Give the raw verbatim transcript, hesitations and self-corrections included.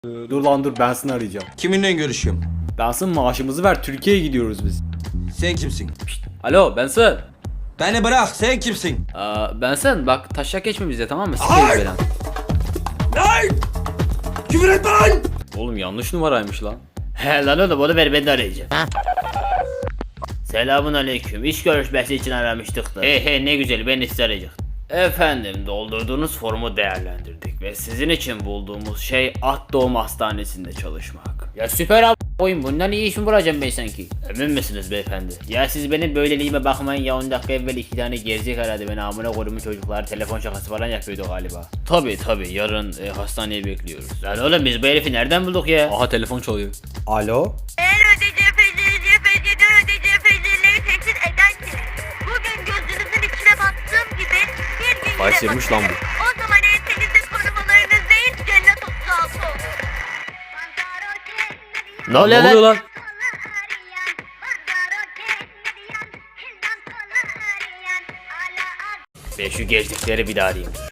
Dur lan dur, ben seni arayacağım. Kiminle görüşüyorum? Bensin, maaşımızı ver, Türkiye'ye gidiyoruz biz. Sen kimsin? Alo Benson. Beni bırak, sen kimsin? Aa, Benson bak taşak geçme bize, tamam mı? Sikeyim Hayır! falan. Lan! Küfür etme lan! Oğlum yanlış numaraymış lan. He lan oğlum, onu ver, ben de arayacağım. Selamun aleyküm. İş görüşmesi için aramıştık da. He he, ne güzel, ben sizi arayacaktım. Efendim, doldurduğunuz formu değerlendirdik ve sizin için bulduğumuz şey At Doğum Hastanesi'nde çalışmak. Ya süper abi, oyun bundan iyi iş mi bulacağım ben sanki? Emin misiniz beyefendi? Ya siz benim böyleliğime bakmayın ya, on dakika evvel iki tane gerizek aradı beni, amına koyduğumun çocuklar telefon şakası falan yapıyordu galiba. Tabi tabi, yarın e, hastaneye bekliyoruz. Lan oğlum, biz bu herifi nereden bulduk ya? Aha, telefon çalıyor. Alo? Eğer ödeyeceği fecirci fecirden ödeyeceği fecirleri tehdit ederseniz, bugün gözünüzün içine baktığım gibi bir gün Faiz yine yemiş lan bakarım. O zaman ensenizde korumalarınız değil, cennet otuz altı olur. Ne oluyor lan? lan? Ben şu gezlikleri bir daha arayayım.